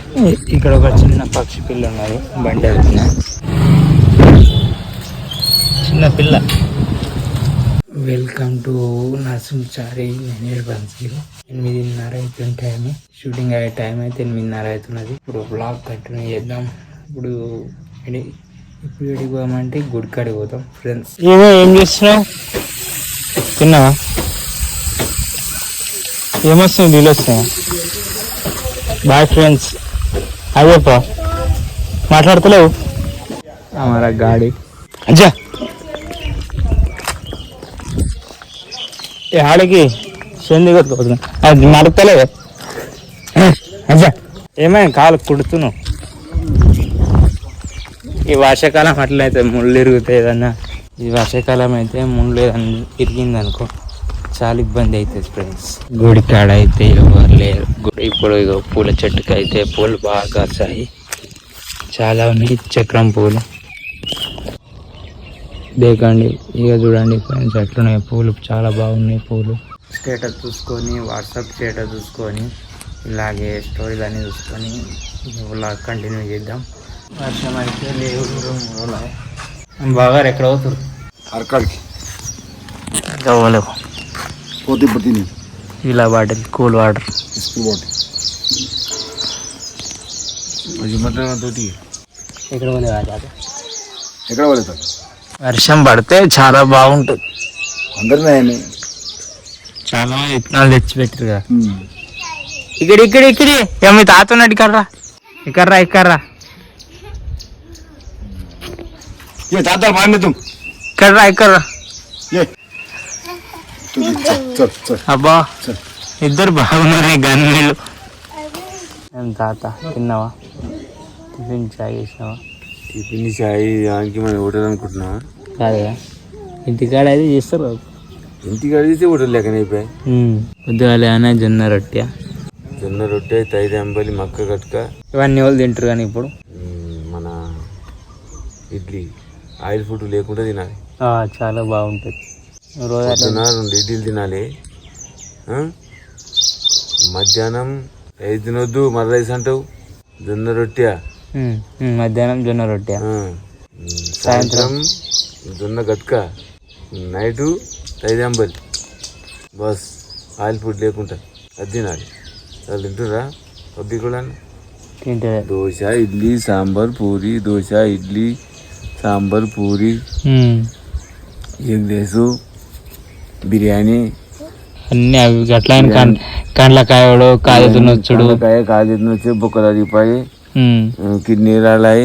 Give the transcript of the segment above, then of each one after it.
ఇక్కడ ఒక చిన్న పక్షి పిల్ల ఉన్నది, బండి వెళ్తున్నా. చిన్న పిల్ల. Welcome to Narasimhachari. నేను బందీలు 8:30 అవుతుంది టైం. షూటింగ్ అయ్యే టైం అయితే 8:30 అవుతున్నది. ఇప్పుడు బ్లాగ్ కంటిన్యూ చేద్దాం. ఇప్పుడు ఎడికి పోదామంటే గుడికాడికి పోతాం ఫ్రెండ్స్. ఏం చేస్తున్నావు? తిన్నావా? ఏమొస్తుంది? నీళ్ళు వస్తున్నాయా? Bye friends. అదేపా మాట్లాడతలేవు. हमारा गाड़ी अच्छा ये हाड़की शेंदी అది నడతలేదు. అచ్చా ఏమైనా కాలు కుడుతున్నావు? ఈ వర్షాకాలం అట్లయితే ముళ్ళు ఇరుగుతాయి ఏదన్నా. ఈ వర్షాకాలం అయితే ముళ్ళు ఇరిగింది అనుకో చాలా ఇబ్బంది అవుతుంది ఫ్రెండ్స్. గుడి కాడ అయితే ఎవరు లేరు. ఇప్పుడు పూల చెట్టుకి అయితే పూలు బాగా కాస్తాయి, చాలా ఉన్నాయి చక్రం పూలు. దేకండి ఇక చూడండి ఫ్రెండ్స్ ఎట్లున్నాయి పూలు, చాలా బాగున్నాయి పూలు. స్టేటస్ చూసుకొని వాట్సాప్ స్టేటస్ చూసుకొని ఇలాగే స్టోరీలు అన్నీ చూసుకొని ఇలా కంటిన్యూ చేద్దాం. వర్షం అయితే లేవు. బాగా ఎక్కడ అవుతారు అరకాడికి అవ్వలేవు. పోతే ఇప్పుడు ఇలా bottle cool water school bottle తోటి ఎక్కడ పోలేదు. ఎక్కడ పోలేదు. వర్షం పడితే చాలా బాగుంటుంది. అందరినీ చాలా విత్తనాలు తెచ్చిపెట్టారు కదా. ఇక్కడ మీ తాత ఉన్నట్టు ఇక్కర్రా తాత మాన్యతం ఇక్కర్రా. అబ్బా ఇద్దరు బాగున్నారు గన్నీళ్ళు. తాత తిన్నావా? టిఫిన్ చాయ్ చేసినావా? టిఫిన్ చాయ్ దానికి మనం హోటల్ అనుకుంటున్నావా? కాదుగా ఇంటికాడ అయితే చేస్తారు. ఇంటికాడ చేస్తే హోటల్ లెక్కన అయిపోయాయి. పొద్దుగాల ఏమైనా జొన్న రొట్టె తైరు అంబలి మక్క కట్క ఇవన్నీ వాళ్ళు తింటారు. కానీ ఇప్పుడు మన ఇడ్లీ ఆయిల్ ఫుడ్ లేకుండా తినాలి. చాలా బాగుంటుంది. రోజు 2 ఇడ్లీలు తినాలి. మధ్యాహ్నం రైస్ తినొద్దు, మర్ర రైస్ అంటావు. జొన్న రొట్టె మధ్యాహ్నం జొన్న రొట్టె, సాయంత్రం జొన్న గట్క, నైటు తైరు అంబలి. బస్ ఆయిల్ ఫుడ్ లేకుండా అది తినాలి. వాళ్ళు తింటురా పబ్లిక్ కూడా తింటే దోశ ఇడ్లీ సాంబార్ పూరి, దోశ ఇడ్లీ సాంబార్ పూరి, ఎగ్ రైస్, బిర్యానీ అన్నీ అవి అట్లా. కండ్లకాయడు కాయ తినొచ్చుడు, కాయ తినొచ్చు, బొక్కలు అరిగిపోయి, కిడ్నీ రాలాయి,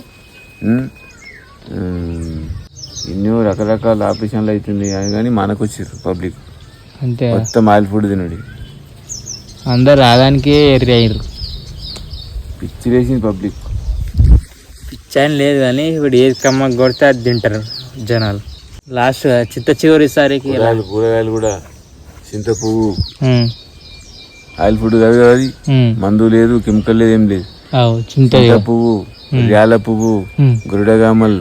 ఎన్నో రకరకాల ఆపరేషన్లు అవుతుంది. కానీ మనకు వచ్చారు పబ్లిక్ అంతే. మొత్తం ఆయిల్ ఫుడ్ తినడు. అందరు రాదానికే ఎర్రి అయ్యారు. పిచ్చి వేసింది పబ్లిక్. పిచ్చి అని లేదు కానీ ఇప్పుడు ఏది కమ్మ కొడితే అది తింటారు జనాలు. లాస్ట్ చిత్త చివరిసారికి కూరగాయలు కూడా చింత పువ్వు ఆయిల్ ఫుడ్ కాదు కదా. అది మందు లేదు, కెమికల్ లేదు, ఏం లేదు. చింత పువ్వు, యాల పువ్వు, గురుడగామల్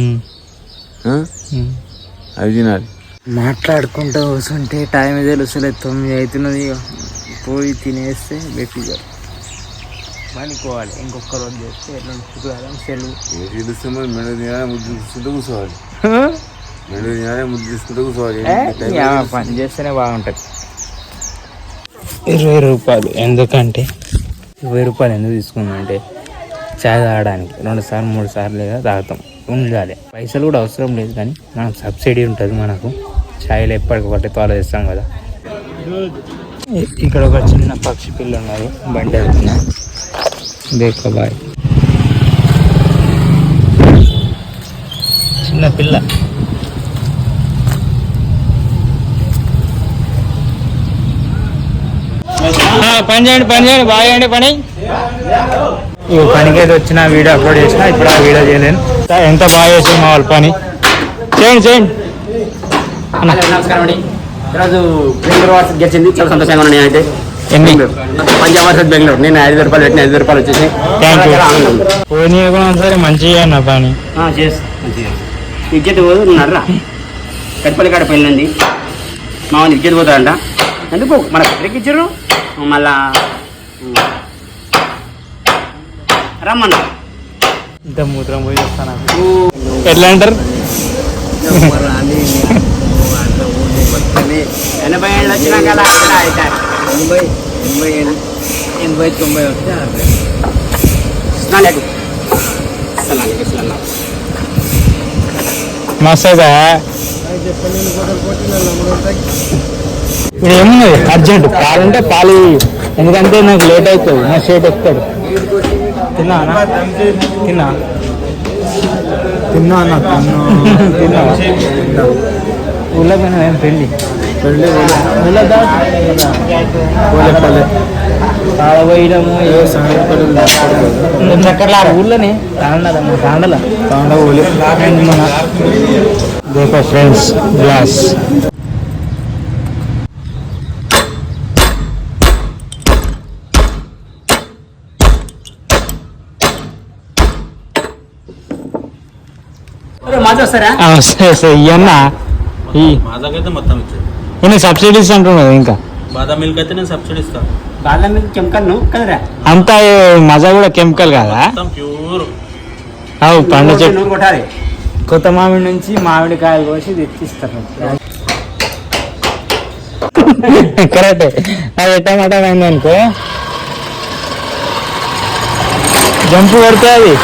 అవి తినాలి. మాట్లాడుకుంటూ కూర్చుంటే టైం తెలుస్తలేదు. 9 అవుతున్నది. పోయి తినేస్తే గట్టిగా పనుకోవాలి. ఇంకొక రోజు చేస్తే ఎట్లా శుక్రవారం సెలవు. మెడ తినాలి, ముద్దు తీసుకుంటూ కూర్చోవాలి. మెడ తినాలి, ముద్దు తీసుకుంటూ కూర్చోవాలి. పని చేస్తేనే బాగుంటుంది. 20 రూపాయలు ఎందుకంటే 20 రూపాయలు ఎందుకు తీసుకుందామంటే చాయ్ తాగడానికి 2 సార్లు 3 సార్లు లేదా తాగుతాం. ఉండాలి. పైసలు కూడా అవసరం లేదు కానీ మనకు సబ్సిడీ ఉంటుంది. మనకు ఛాయలు ఎప్పటికొకటి ఫాలో చేస్తాం కదా. ఇక్కడ ఒక చిన్న పక్షి పిల్ల ఉన్నది, బండి వెళ్తున్నా. దేకో బాయ్. చిన్న పిల్ల. పని చేయండి బాగా చేయండి పని. ఈ పనికి అయితే వచ్చిన వీడియో అప్లోడ్ చేసిన. ఇప్పుడు ఆ వీడియో చేయలేను. ఎంత బాగా చేసాం మా వాళ్ళు పని. చేయండి నమస్కారం అండి. ఈరోజు బెంగళూరు వర్సెస్ గెలిచింది, చాలా సంతోషంగా ఉన్నాను. నేనైతే పంజాబ్ వర్సెస్ బెంగళూరు. నేను 5 రూపాయలు పెట్టిన, 5 రూపాయలు వచ్చేసి పోనీ సరే మంచిగా అన్న పని విద్యుత్ పోతున్నారా. కట్పల్లి కాడ పోయిందండి మా వాళ్ళు విద్యుత్ పోతారంట. ఎందుకు మనకు ఎక్కడికి ఇచ్చారు మళ్ళా రమ్మన్నా ఇంత మూత్రం పోయి వస్తాను ఎట్లా అంటారు 80 ఏళ్ళు వచ్చినాక అలా అవుతారు 80-90 వస్తే స్నానం మస్తు అవుతా ఇప్పుడు ఏమున్నది అర్జెంట్ పాలంటే పాలు ఎందుకంటే నాకు లేట్ అవుతుంది నా షేట్ ఎక్కుతాడు తిన్నా తిన్నా తిన్నా తిన్నా ఊళ్ళో పోయినా ఏం పెళ్ళి ఊళ్ళో పోయడము చక్కర్లా ఊళ్ళోనే తాండల మన ఫ్రెండ్స్ గ్లాస్ ఇవన్నా మాదాకైతే మొత్తం ఇచ్చాడు ఈయన సబ్సిడీస్ అంటున్నాడు ఇంకా బాదం మిల్క్ అయితే నేను సబ్సిడీ ఇస్తాను బాదం మీద కెమికల్ కదరా అంతా మజా కూడా కెమికల్ కదా మొత్తం ప్యూర్ అవు పండు చెట్టు నూనె కొట్టాలి కొత్త మామిడి నుంచి మామిడికాయలు కోసి తెచ్చిస్తారు కరెక్ట్ అది టమాటా అయింది అనుకో జంపు పడితే అది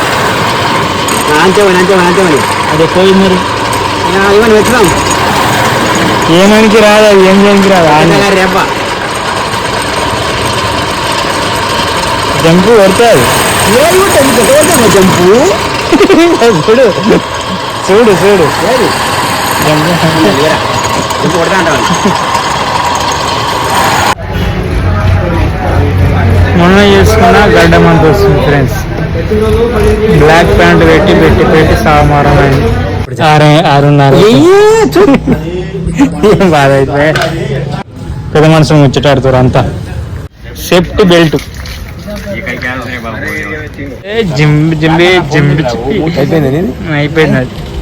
అంతేమని అది పోయి మరి ఇవన్నీ వెళ్తున్నాం ఏమనికి రాదు అది ఏం చేయడానికి రాదు రేప జంపు పడితే అది జంపు చూడు చూడు చూడు జంపు కొడతా అంటారు మొన్న చేసుకున్న గడ్డం అంత వస్తుంది ఫ్రెండ్స్ బ్లాక్ ప్యాంట్ పెట్టి సామారం అయింది 6:30 ఏం బాధ అయితే పెద్ద మనసు ముచ్చటాడుతారు అంతా సేఫ్టీ బెల్ట్ జింబి అయిపోయింది అయిపోయింది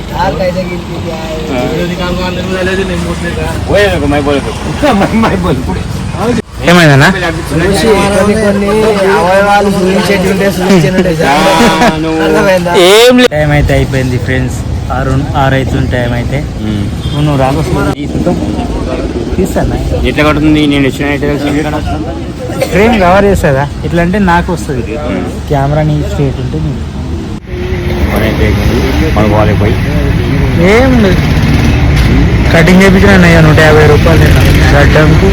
ఏమైందన్నా ఏం లేదు టైం అయితే అయిపోయింది ఫ్రెండ్స్ 6 అవుతుంది టైం అయితే నువ్వు రాకొస్తా తీస్తానా ఎట్లా కొడుతుంది నేను ఫ్రేమ్ కవర్ చేస్తుందా ఇట్లా అంటే నాకు వస్తుంది కెమెరా నీ స్ట్రేట్ ఉంటే ఏం లేదు కటింగ్ చేయించిన 150 రూపాయలు గడ్డంకు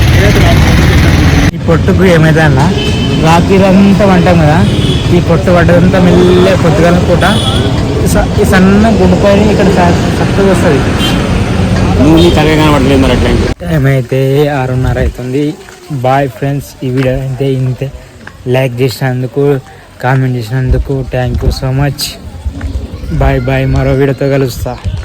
ఈ పొట్టుకు ఏమైతే అన్న రాత్రిరంతా వంటాం కదా ఈ పొట్టు పడ్డదంతా మెల్లె పొద్దుగా పూట ఈ సన్న గుండుకొని ఇక్కడ చక్కగా వస్తుంది నువ్వు తరగా కనబడలేదు మరి అట్లా టైం అయితే 6:30 అవుతుంది బాయ్ ఫ్రెండ్స్ ఈ వీడియో అయితే ఇంతే లైక్ చేసినందుకు కామెంట్ చేసినందుకు thank you so much bye bye మరో వీడియోతో కలుస్తా